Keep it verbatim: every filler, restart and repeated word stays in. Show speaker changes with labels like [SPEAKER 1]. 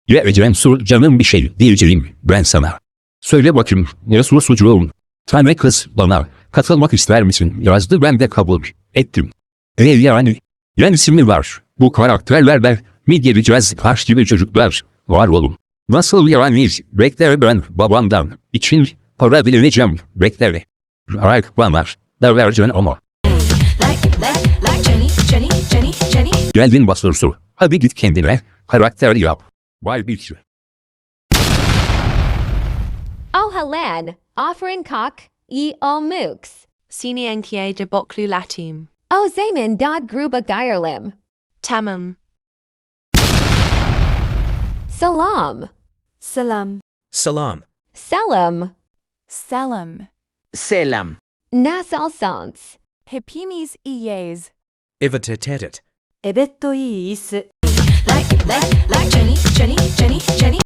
[SPEAKER 1] Vereceğim soru canım bir şey diyeceğim ben sana. Söyle bakayım Resul sucuğum. Tane kız bana katılmak ister misin yazdı, ben de kabul ettim. E yani yenisi mi var? Bu karakterlerle mi geleceğiz taş gibi çocuklar? Var olun. Nasıl yani? Bekler ben babamdan için para dileneceğim. Bekler. Ayak bana da vereceksin ama. Geldin basırsu. Hadi git kendine karakter yap. Vay bir şey.
[SPEAKER 2] Oh Helen, offering cock, ye all mooks.
[SPEAKER 3] Sini enkie de boklu latim.
[SPEAKER 2] O zaman dod gruba geirlim.
[SPEAKER 3] Tamam.
[SPEAKER 2] Salam.
[SPEAKER 4] Salam.
[SPEAKER 5] Salam.
[SPEAKER 2] Selam.
[SPEAKER 4] Salam.
[SPEAKER 6] Selam.
[SPEAKER 2] Nasal sans.
[SPEAKER 4] Hepimiz iyiyiz.
[SPEAKER 5] Ivata tetet.
[SPEAKER 4] Evet iyiyiz.